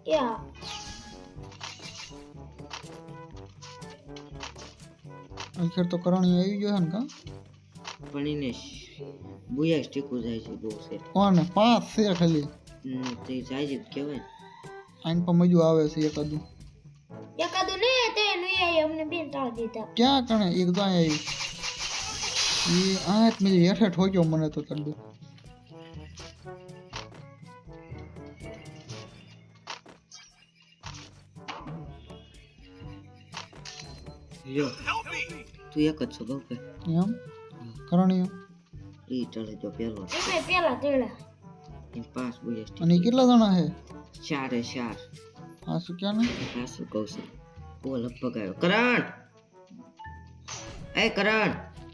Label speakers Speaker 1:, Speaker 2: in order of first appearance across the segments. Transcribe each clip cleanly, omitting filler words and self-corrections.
Speaker 1: या
Speaker 2: आखिर तो करणी आई जो है ना
Speaker 3: પણ એને બુયા સ્ટીકો જાય છે બહુ છે
Speaker 2: कौन है 5 से खाली
Speaker 3: તે જાય છે કહેવાય
Speaker 2: आइन पर मजू आवे से एकादू
Speaker 1: ने ते नहीं आई हमने भी टाल दिया
Speaker 2: क्या कने एक तो आई ये आयत मेरी हेठ हो गयो मने तो कर दो
Speaker 3: જો તું એક જ છો બહુ કે
Speaker 2: एम करणी
Speaker 3: ઈ ચડે જો પેલો
Speaker 1: मैं पहला तेरा
Speaker 3: એ 5 બુયા સ્ટીકો
Speaker 2: અને કેટલા જણા હે
Speaker 3: 4 4
Speaker 2: આ શું ક્યાં ને
Speaker 3: આ શું કહું છું ઓ લગભગ આવ્યો કરણ એ કરણ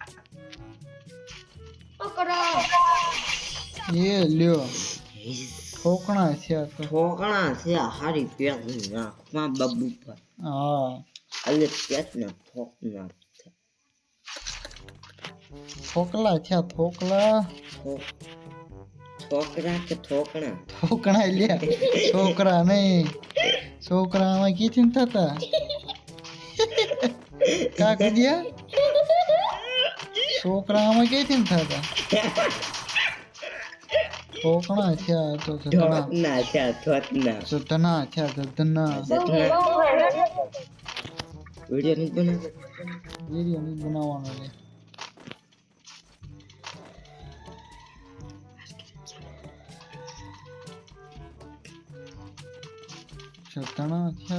Speaker 1: ओ करो
Speaker 2: ये લ્યો ठोकना છે આ તો
Speaker 3: ઠોકણા છે હારી પેલી નાખમાં બબુ પર
Speaker 2: હા
Speaker 3: અલે પેટને ઠોકના
Speaker 2: ठोकला છે ठोकला
Speaker 3: ઠોકરા કે ઠોકણા
Speaker 2: ठोकना લ્યા છોકરા નહીં છોકરામાં કી ચિંતા હતા કા કીધ્યા છોકરામાં કી ચિંતા હતા ठोकना છે આ તો ધના
Speaker 3: ઠોકના છે ઠોકના
Speaker 2: ધના છે ધના
Speaker 3: વિડિયો નહીં બનાવ
Speaker 2: વિડિયો નહીં બનાવવાનો લે ધના છે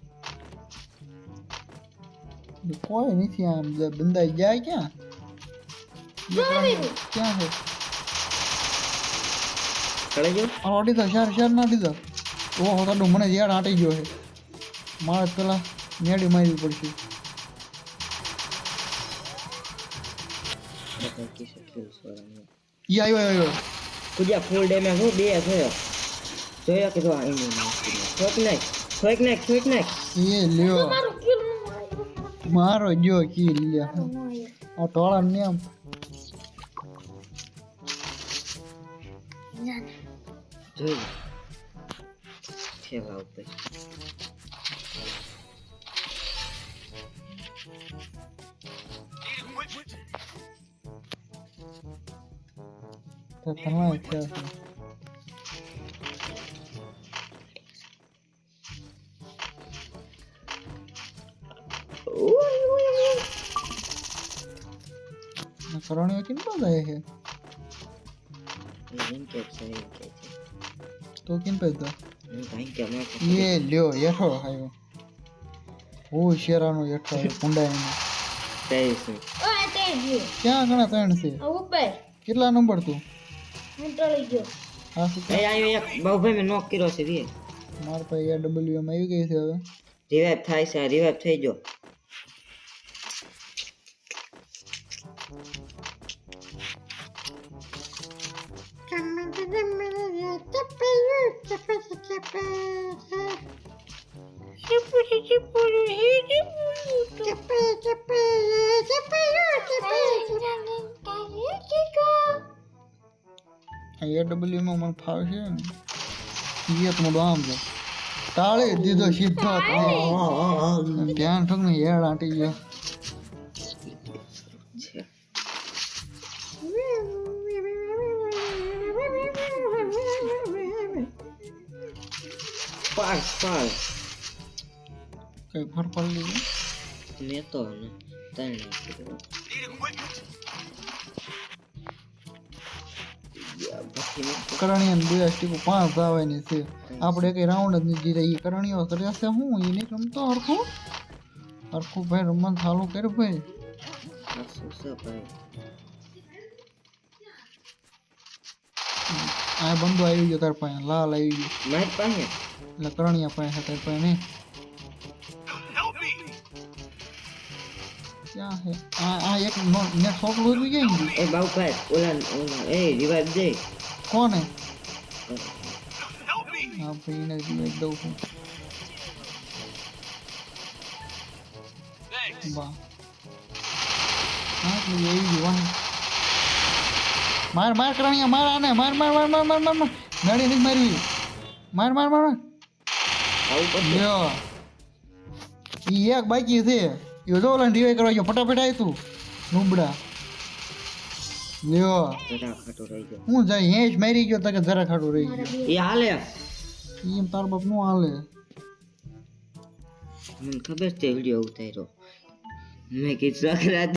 Speaker 2: છે कोई नहीं थी आम जब बंदा जाए क्या क्या है
Speaker 3: કળે જો
Speaker 2: आड़ी था शहर ना दी था वो होता डू मने यार आटे गयो है मार पेला नेडी मारवी पड़શે
Speaker 3: બધા કે સ્કિલ સોરા
Speaker 2: ये आयो
Speaker 3: કુજા ફૂલ ડેમેજ હો બે થયો જોયા કે જો આઈ નહીં ઠોક નાખ
Speaker 2: ये लियो मारो जो की लिया और टोला ने हम
Speaker 3: જોઈ ફેવા ઉપર
Speaker 2: तो तना क्या करणी किन पे गए है
Speaker 3: એમ કે છે
Speaker 2: तो किन पे था
Speaker 3: હું ભાઈ કે મેં
Speaker 2: ये लियो येठो आयो ओ शेरानो येठो कुंडा ने
Speaker 3: કઈ છે
Speaker 1: ओ ते गयो
Speaker 2: क्या गणा त्रण से
Speaker 1: ऊपर
Speaker 2: કેટલા નંબર તું
Speaker 1: मैं टली गयो
Speaker 2: હા શું
Speaker 3: એ આયો એક બહુ ભાઈ મેં નોક કર્યો છે રે
Speaker 2: માર પાસે એ ડબલ્યુ માં આવી ગઈ છે હવે
Speaker 3: રિવાઇવ થાય છે રિવાઇવ થઈ ગયો
Speaker 2: એ ડબલ્યુ માં મને ફાવશે ને એ તો મોડો આમ છે તાળે દીધો સીધો ધ્યાન ઠોક ને હેડ આંટી ગયો
Speaker 3: પાસ પાસ
Speaker 2: કઈ ફર પડી લીધું
Speaker 3: મેં તો ને ત્રણ કર્યો
Speaker 2: કરણીય ને બે સ્ટીકો 5 આવવાની છે આપણે કઈ રાઉન્ડ જ નહીં જીરે ઈ કરણીયો કર્યા છે હું ઈને રમતો હરખું ભાઈ રમવાનું ચાલુ કર ભાઈ
Speaker 3: શું છે ભાઈ
Speaker 2: આ બંદો આવી ગયો તાર પાસે લાલ આવી ગયો
Speaker 3: મારી પાસે
Speaker 2: એટલે કરણીયા પાસે તાર પાસે નહીં ક્યાં હે આ એક ને છોકલું હતું ક્યાં ગયું
Speaker 3: એ બાઉ ભાઈ ઓલા એ રિવાઇવ દે
Speaker 2: કોણ હે હા ભાઈ એને રિવાઇવ દઉં છું વાહ હા તો એવી ગયું વાહ मार करनिया मार आने मार नड़ी नहीं मारवी मार
Speaker 3: આવું પડશે
Speaker 2: લ્યો ઈ એક બાકી છે યો જો ઓલા રિવાઈ કરવા ગયો ફટાફટ આય તું નુબડા લ્યો
Speaker 3: જરા ખાટો રહી ગયો
Speaker 2: હું જાય હેજ મારી ગયો તકે જરા ખાડું રહી ગયો
Speaker 3: એ હાલે
Speaker 2: ઈ તાર બાપ નું હાલે
Speaker 3: મને ખબર છે વિડિયો ઉતાર્યો મેં કીધું